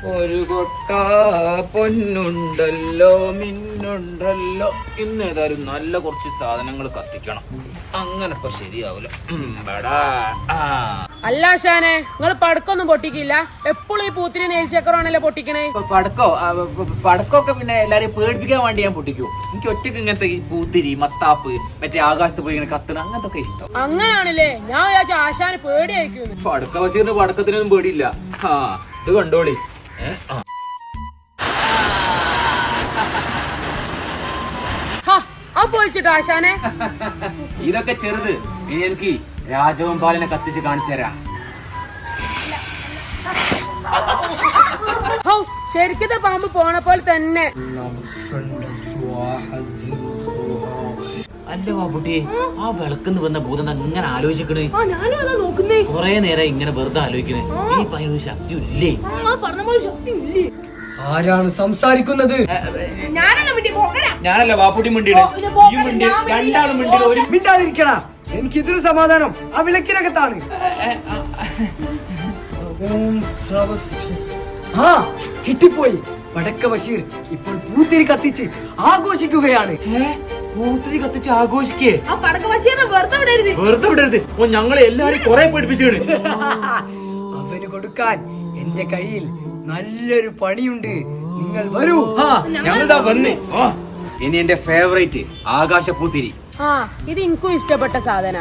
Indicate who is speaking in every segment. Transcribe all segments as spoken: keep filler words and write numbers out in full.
Speaker 1: ഒരു കൊട്ട പൊന്നുണ്ടല്ലോ മിന്നുണ്ടല്ലോ ഇന്ന് ഏതായാലും നല്ല കുറച്ച് സാധനങ്ങൾ കത്തിക്കണം. അങ്ങനെ ഇപ്പൊ ശരിയാവൂല.
Speaker 2: അല്ല ഷാനെ, നിങ്ങൾ പടക്കൊന്നും പൊട്ടിക്കില്ല? എപ്പോഴും ഈ പൂത്തിരി നെയിൽച്ചക്കറാണല്ലോ പൊട്ടിക്കണേ.
Speaker 1: പടക്കോ പടക്കൊക്കെ പിന്നെ എല്ലാരെയും പേടിപ്പിക്കാൻ വേണ്ടി ഞാൻ പൊട്ടിക്കൂ. എനിക്ക് ഒറ്റക്ക് ഇങ്ങനത്തെ ഈ പൂത്തിരി മത്താപ്പ് മറ്റേ ആകാശത്ത് പോയി ഇങ്ങനെ കത്തണ അങ്ങനത്തെ ഇഷ്ടം.
Speaker 2: അങ്ങനാണല്ലേ? ഞാൻ വിചാരിച്ചു ആശാന് പേടിയായിരിക്കും.
Speaker 1: പടക്ക ബഷീറിന് പടക്കത്തിനൊന്നും പേടിയില്ല. ആ ഇത് കണ്ടോളി.
Speaker 2: പൊളിച്ചിട്ടോ ആശാനെ?
Speaker 1: ഇതൊക്കെ ചെറുത്. ഇനി എനിക്ക് രാജവെമ്പാലിനെ കത്തിച്ച് കാണിച്ചു തരാം.
Speaker 2: ശരിക്കത്തെ പാമ്പ് പോണ പോലെ തന്നെ.
Speaker 1: അല്ല ബാബുട്ടിയെ, ആ വിളക്കെന്ന് വന്ന ഭൂതം അങ്ങനെ ആലോചിക്കണേ. കൊറേ നേരം ഇങ്ങനെ വെറുതെ ആലോചിക്കണേ. ഈ പയ്യനൊരു ശക്തി ഇല്ലേ?
Speaker 3: ആരാണ് സംസാരിക്കുന്നത്?
Speaker 1: ഞാനല്ല ബാപ്പുട്ടി മിണ്ടിയാണ്. രണ്ടാളും മിണ്ടിയാണ്. ഒരു
Speaker 3: മിണ്ടാതിരിക്കടാ, എനിക്ക് ഇതിന് സമാധാനം ആ വിളക്കിനകത്താണ്. ആ കിട്ടിപ്പോയി. വടക്ക ബഷീർ ഇപ്പോൾ പൂത്തിരി കത്തിച്ച് ആഘോഷിക്കുകയാണ്.
Speaker 1: പൂത്തിരി കത്തിച്ച് ആഘോഷിക്കേ? വെറുതെ വിടരുത്. ഞങ്ങളെ എല്ലാരും കൊറേ പേടിപ്പിച്ചാണ്.
Speaker 3: അവന് കൊടുക്കാൻ എന്റെ കയ്യിൽ നല്ലൊരു പണിയുണ്ട്. നിങ്ങൾ വരൂ.
Speaker 1: ഞങ്ങളിതാ വന്ന്. ഇനി എന്റെ ഫേവറേറ്റ് ആകാശ പൂത്തിരി.
Speaker 2: ആ ഇത് എനിക്കും ഇഷ്ടപ്പെട്ട സാധന.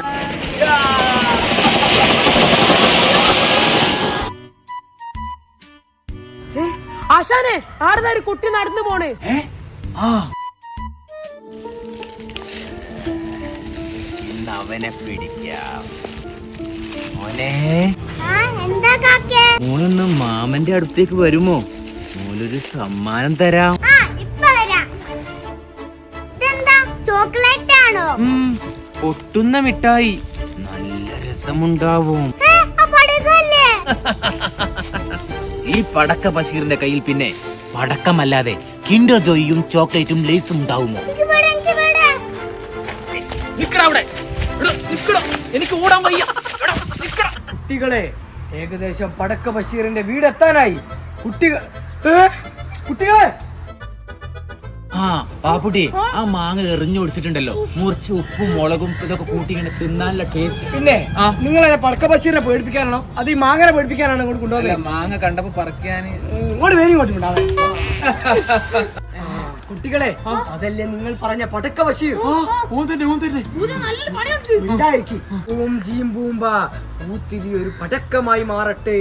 Speaker 2: ആശാനെ, ആരുടെ ഒരു കുട്ടി നടന്നു പോണേ.
Speaker 1: ഇന്ന് അവനെ പിടിക്കാം. മോനെ, മോനൊന്ന് മാമന്റെ അടുത്തേക്ക് വരുമോ? മോനൊരു സമ്മാനം തരാം.
Speaker 4: ചോക്ലേറ്റ് ആണോ?
Speaker 1: പൊട്ടുന്ന മിഠായി. നല്ല രസമുണ്ടാവും. ഈ പടക്ക ബഷീറിന്റെ കയ്യിൽ പിന്നെ പടക്കമല്ലാതെ കിൻഡർ ജോയിയും ചോക്ലേറ്റും ലേസും ഉണ്ടാവുമോ? എനിക്ക് ഓടാൻ വയ്യ.
Speaker 3: കുട്ടികളെ, ഏകദേശം പടക്ക ബഷീറിന്റെ വീടെത്താനായി. കുട്ടികൾ കുട്ടികളെ
Speaker 1: ആ ബാപ്പുട്ടി, ആ മാങ്ങ എറിഞ്ഞു കൊടുത്തിട്ടുണ്ടല്ലോ. മുറിച്ച് ഉപ്പും മുളകും ഇതൊക്കെ കൂട്ടി ഇങ്ങനെ തിന്നാനുള്ള ടേസ്റ്റ്.
Speaker 3: പിന്നെ നിങ്ങൾ പടക്ക ബഷീറിനെ പേടിപ്പിക്കാനാണോ അത് ഈ മാങ്ങനെ പേടിപ്പിക്കാനാണോ ഇങ്ങോട്ട് കൊണ്ടുപോകുന്നത്?
Speaker 1: മാങ്ങ കണ്ടപ്പോ പറിക്കാൻ
Speaker 3: ഇങ്ങോട്ട് വേരും ഇങ്ങോട്ട് ഉണ്ടാവേ. കുട്ടികളെ, അതല്ലേ നിങ്ങൾ പറഞ്ഞ പടക്ക ബഷീർ? ഓം ജീം ബൂംബ പൂത്തിരി ഒരു പടക്കമായി മാറട്ടെ.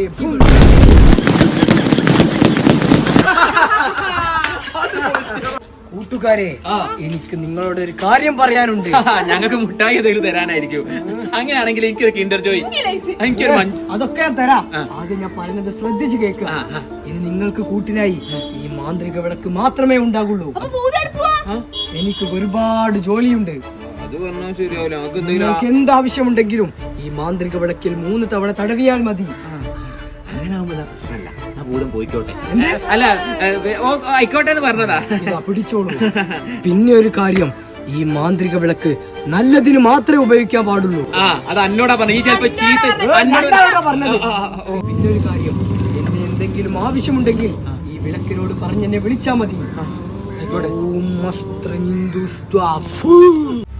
Speaker 3: കൂട്ടുകാരെ, എനിക്ക് നിങ്ങളോട് ഒരു കാര്യം പറയാനുണ്ട്.
Speaker 1: ഞങ്ങൾക്ക് മുട്ടായി എന്തെങ്കിലും തരാനായിരിക്കും. അങ്ങനെയാണെങ്കിൽ എനിക്കൊരു കിൻഡർ ജോയ്, എനിക്കൊരു
Speaker 3: അതൊക്കെ ഞാൻ തരാം. ആദ്യം ഞാൻ പറയുന്നത് ശ്രദ്ധിച്ചു കേൾക്കുക. ഇനി നിങ്ങൾക്ക് കൂട്ടിനായി ഈ മാന്ത്രിക വിളക്ക് മാത്രമേ ഉണ്ടാകുള്ളൂ. എനിക്ക് ഒരുപാട് ജോലിയുണ്ട്. നിങ്ങൾക്ക് എന്താവശ്യമുണ്ടെങ്കിലും ഈ മാന്ത്രിക വിളക്കിൽ മൂന്ന് തവണ തടവിയാൽ മതി.
Speaker 1: അങ്ങനെ ആവുമ്പോ പ്രശ്നമല്ല. ഭൂതം പോയിക്കോട്ടെ. അല്ല ആയിക്കോട്ടെ എന്ന് പറഞ്ഞതാ.
Speaker 3: പിടിച്ചോളൂ. പിന്നെ ഒരു കാര്യം, ഈ മാന്ത്രിക വിളക്ക് നല്ലതിന് മാത്രമേ ഉപയോഗിക്കാൻ പാടുള്ളൂ.
Speaker 1: ആ അത് എന്നോടാ പറഞ്ഞു. ഈ ചിലപ്പോ ചീത്ത
Speaker 3: പറഞ്ഞത്. പിന്നെ ഒരു കാര്യം, എന്നെ എന്തെങ്കിലും ആവശ്യമുണ്ടെങ്കിൽ ഈ വിളക്കിനോട് പറഞ്ഞെന്നെ വിളിച്ചാ മതി.